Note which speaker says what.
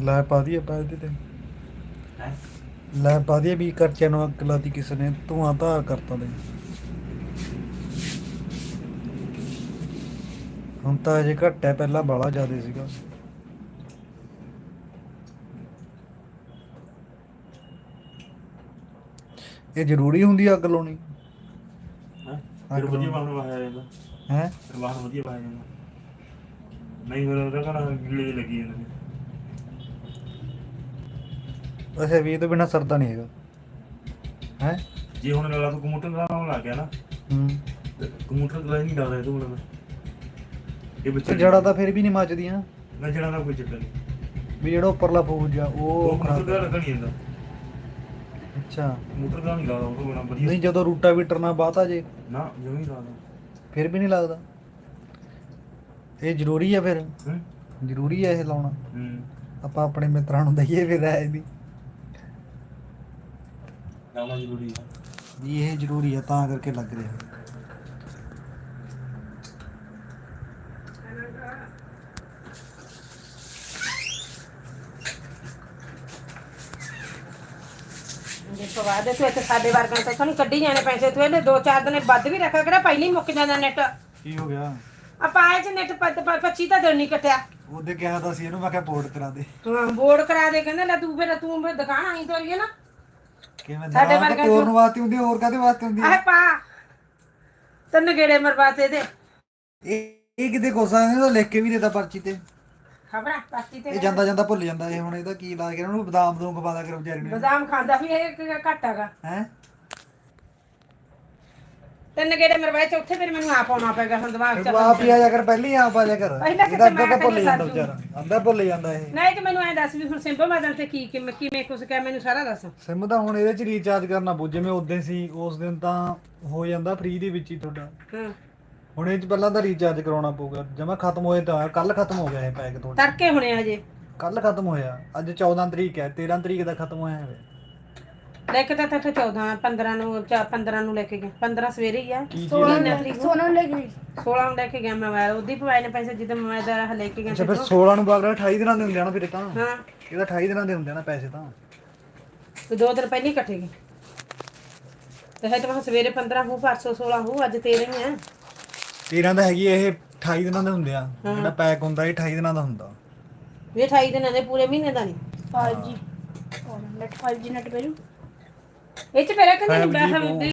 Speaker 1: ਲੈ ਪਾ ਦਈਏ ਪਾ ਇਹਦੇ ਤੇ
Speaker 2: ਹੈ
Speaker 1: ਲੈ ਪਾ ਦਈਏ ਵੀ ਖਰਚੇ ਨੂੰ ਅੱਗ ਲਾਤੀ ਕਿਸੇ ਨੇ ਧੂਆਂ ਧਾਰ ਕਰਤਾ ਦੇ ਹੁਣ ਤਾਂ ਅਜੇ ਘੱਟ ਹੈ ਪਹਿਲਾਂ ਬਾਹਲਾ ਜ਼ਿਆਦਾ ਸੀਗਾ ਇਹ ਜ਼ਰੂਰੀ ਹੁੰਦੀ ਆ ਅੱਗ ਲਾਉਣੀ
Speaker 2: ਫਿਰ ਵਧੀਆ ਬਾਹਰ ਵਾਇਆ ਜਾਂਦਾ
Speaker 1: ਹੈ
Speaker 2: ਫਿਰ ਬਾਹਰ ਵਧੀਆ ਪਾਇਆ ਜਾਂਦਾ ਨਹੀਂ ਫਿਰ ਉਹਦਾ ਘਰ ਗੀਲੇ ਜਿਹੇ ਲੱਗੀ ਜਾਂਦੇ ਨੇ
Speaker 1: ਅੱਛਾ ਵੀ ਇਹ ਤੋਂ ਬਿਨਾਂ ਸਰਦਾ ਨਹੀਂ ਹੈਗਾ ਹੈ
Speaker 2: ਜੇ ਹੁਣ ਨਾਲਾ ਤੋਂ ਕੰਪਿਊਟਰ ਚਲਾਉਣ ਲੱਗ ਗਿਆ ਨਾ ਕੰਪਿਊਟਰ ਚਲਾ ਹੀ ਨਹੀਂ ਡਰਦਾ ਇਹ ਤੋਂ ਹੁਣ ਇਹ ਬੱਚੇ
Speaker 1: ਜੜਾ ਤਾਂ ਫਿਰ ਵੀ ਨਹੀਂ ਮੱਚਦੀਆਂ
Speaker 2: ਨਾ ਜੜਾ ਦਾ ਕੋਈ ਚੱਕਰ ਨਹੀਂ
Speaker 1: ਵੀ ਜਿਹੜਾ ਉੱਪਰਲਾ ਫੂਜ ਆ
Speaker 2: ਉਹ
Speaker 1: ਉਹ
Speaker 2: ਕੰਪਿਊਟਰ ਦਾ ਲੱਗਾ ਨਹੀਂ ਜਾਂਦਾ
Speaker 1: ਅੱਛਾ
Speaker 2: ਕੰਪਿਊਟਰ ਦਾ ਨਹੀਂ ਲੱਗਦਾ ਉਹ ਤੋਂ ਬਿਨਾ ਵਧੀਆ
Speaker 1: ਨਹੀਂ ਜਦੋਂ ਰੂਟਾਵੀਟਰ ਨਾਲ ਬਾਤਾ ਜੇ
Speaker 2: ਨਾ ਜਮੀ ਨਹੀਂ ਲੱਗਦਾ
Speaker 1: ਫਿਰ ਵੀ ਨਹੀਂ ਲੱਗਦਾ ਇਹ ਜ਼ਰੂਰੀ ਆ ਫਿਰ
Speaker 2: ਹੂੰ
Speaker 1: ਜ਼ਰੂਰੀ ਆ ਇਹ ਲਾਉਣਾ ਆਪਾਂ ਆਪਣੇ ਮਿੱਤਰਾਂ ਨੂੰ ਦਈਏ ਫਿਰ ਰਾਏ ਦੀ
Speaker 2: ਲਾਉਣਾ ਜ਼ਰੂਰੀ ਹੈ
Speaker 1: ਵੀ ਇਹ ਜ਼ਰੂਰੀ ਆ ਤਾਂ ਕਰਕੇ ਲੱਗ ਰਿਹਾ
Speaker 3: ਦੇਖੋ ਬਾਅਦ ਤੂੰ ਇੱਥੇ ਸਾਡੇ ਵਰਗਾਂ ਤੋਂ ਸਾਨੂੰ ਕੱਢੀ ਜਾਣੇ ਪੈਸੇ ਤੂੰ ਇਹਨੇ 2-4 ਦਿਨ ਵੱਧ ਵੀ ਰੱਖਿਆ ਕਿਹੜਾ ਪਹਿਲਾਂ ਹੀ ਮੁੱਕ ਜਾਂਦਾ ਨੈਟ
Speaker 1: ਕੀ ਹੋ ਗਿਆ
Speaker 3: ਆਪਾਂ ਆਏ ਚ ਨੈਟ 25 ਤਾਂ ਦਿਨ ਨਹੀਂ ਕੱਟਿਆ
Speaker 1: ਉਹਦੇ ਕਿਹਾ ਤਾਂ ਸੀ ਇਹਨੂੰ ਮੈਂ ਕਿਹਾ ਪੋਰਟ ਕਰਾ ਦੇ
Speaker 3: ਹਾਂ ਬੋਰਡ ਕਰਾ ਦੇ ਕਹਿੰਦੇ ਲੈ ਤੂੰ ਫਿਰ ਦੁਕਾਨ ਆਈ ਤੋਰੀਏ ਨਾ
Speaker 1: ਕਿਵੇਂ
Speaker 3: ਸਾਡੇ
Speaker 1: ਦਰਾਂ
Speaker 3: ਵਰਗਾ
Speaker 1: ਤੋਰਨ ਵਾਸਤੇ ਹੁੰਦੀ ਹੋਰ ਕਾਦੇ ਵਾਸਤੇ ਹੁੰਦੀ
Speaker 3: ਆਹ ਪਾ ਤਨ ਗੇੜੇ ਮਰਵਾਤੇ ਦੇ
Speaker 1: ਇਹ ਕਿਤੇ ਕੋਸਾ ਇਹਦਾ ਲਿਖ ਕੇ ਵੀ ਦੇਤਾ ਪਰਚੀ ਤੇ
Speaker 3: ਖਬਰਾਂ ਪਾਸਟੀ ਤੇ
Speaker 1: ਇਹ ਜਾਂਦਾ ਜਾਂਦਾ ਭੁੱਲ ਜਾਂਦਾ ਇਹ ਹੁਣ ਇਹਦਾ ਕੀ ਲਾ ਕੇ ਉਹਨੂੰ ਬਦਾਮ ਦੂੰ ਖਵਾ ਦਿਆ ਕਰ ਵਿਚਾਰੀ ਨੂੰ
Speaker 3: ਬਦਾਮ ਖਾਂਦਾ ਵੀ ਇਹ ਘੱਟ ਹੈਗਾ
Speaker 1: ਹੈ
Speaker 3: ਤਨ ਗੇੜੇ ਮਰਵਾਏ ਚੌਥੇ ਫਿਰ ਮੈਨੂੰ ਆਪ ਆਉਣਾ ਪੈਗਾ ਹੁਣ ਦਿਮਾਗ ਚ
Speaker 1: ਤੂੰ ਆਪ ਹੀ ਆ ਜਾ ਕਰ ਪਹਿਲੀ ਆਪ ਆ ਜਾ ਕਰ
Speaker 3: ਪਹਿਲਾਂ
Speaker 1: ਇਹਦਾ
Speaker 3: ਕਿਤੇ
Speaker 1: ਅੱਧਾ ਤਾਂ
Speaker 3: ਮੈਂ
Speaker 1: ਭੁੱਲ ਜਾਂਦਾ
Speaker 3: ਪਹਿਲਾਂ
Speaker 1: ਵਿਚਾਰਾ ਅੱਧਾ ਭੁੱਲ ਜਾਂਦਾ ਇਹ
Speaker 3: ਨਹੀਂ ਤੇ ਮੈਨੂੰ ਐ ਦੱਸ ਵੀ ਹੁਣ ਸਿੰਪਲ ਮਾਦਨ ਤੇ ਕੀ ਕਿਵੇਂ ਕੁਛ ਕਹਿ ਮੈਨੂੰ ਸਾਰਾ ਦੱਸ
Speaker 1: ਸਿਮ ਤਾਂ ਹੁਣ ਇਹਦੇ ਚ ਰੀਚਾਰਜ ਕਰਨਾ ਪਊ ਜਿਵੇਂ ਉਦੋਂ ਸੀ ਉਸ ਦਿਨ ਤਾਂ ਹੋ ਜਾਂਦਾ ਫ੍ਰੀ ਦੇ ਵਿੱਚ ਹੀ ਤੁਹਾਡਾ
Speaker 3: ਹਾਂ
Speaker 1: ਹੁਣ ਇਹ ਚ ਪਹਿਲਾਂ ਤਾਂ ਰੀਚਾਰਜ ਕਰਾਉਣਾ ਪਊਗਾ ਜਮਾ ਖਤਮ ਹੋਏ ਤਾਂ ਕੱਲ ਖਤਮ ਹੋ ਗਿਆ ਇਹ ਪੈਕ ਤੁਹਾਡਾ
Speaker 3: ਤੜਕੇ ਹੁਣੇ ਹਜੇ
Speaker 1: ਕੱਲ ਖਤਮ ਹੋਇਆ ਅੱਜ 14 ਤਰੀਕ ਹੈ 13 ਤਰੀਕ ਦਾ ਖਤਮ ਹੋਇਆ ਹੈ
Speaker 3: ਲੈ ਕੇ ਤਾਂ 14 15 ਨੂੰ 15 ਨੂੰ ਲੈ ਕੇ ਗਿਆ 15 ਸਵੇਰੇ ਹੀ ਆ
Speaker 1: ਕੀ
Speaker 3: 16 ਤਰੀਕ ਨੂੰ
Speaker 4: 16 ਨੂੰ ਲੈ ਗਈ
Speaker 3: 16 ਨੂੰ ਲੈ ਕੇ ਗਿਆ ਮੋਬਾਈਲ ਉਹਦੀ ਪਵਾਏ ਨੇ ਪੈਸੇ ਜਿੱਦਾਂ ਮੋਬਾਈਲ ਦਾ ਲੈ ਕੇ ਗਿਆ
Speaker 1: ਅੱਛਾ ਫਿਰ 16 ਨੂੰ ਬਾਅਦ 28 ਦਿਨਾਂ ਦੇ ਹੁੰਦੇ ਆ ਨਾ ਫਿਰ ਇਹ ਤਾਂ
Speaker 3: ਹਾਂ
Speaker 1: ਇਹਦਾ 28 ਦਿਨਾਂ ਦੇ ਹੁੰਦੇ ਆ ਨਾ ਪੈਸੇ ਤਾਂ
Speaker 3: ਤੇ 2 ਦਿਨ ਪਹਿਲਾਂ ਹੀ ਇਕੱਠੇ ਗਏ ਤੇ ਹੈ ਤਾਂ ਸਵੇਰੇ 15 ਹੂ ਪਰਸੋਂ 16 ਹੂ ਅੱਜ 13 ਹੀ ਆ
Speaker 1: 13 ਦਾ ਹੈਗੀ ਇਹ 28 ਦਿਨਾਂ ਦੇ ਹੁੰਦੇ ਆ ਜਿਹੜਾ ਪੈਕ ਹੁੰਦਾ ਇਹ 28 ਦਿਨਾਂ ਦਾ ਹੁੰਦਾ
Speaker 3: ਇਹ 28 ਦਿਨਾਂ ਦੇ ਪੂਰੇ ਮਹੀਨੇ ਦਾ ਨਹੀਂ
Speaker 4: 5G ਨੈਟ 5G ਨੈਟ ਪੈ ਜੂ
Speaker 3: ਇਹ ਚ ਮੇਰਾ ਕਹਿੰਦੇ
Speaker 1: 5G
Speaker 3: ਨਹੀਂ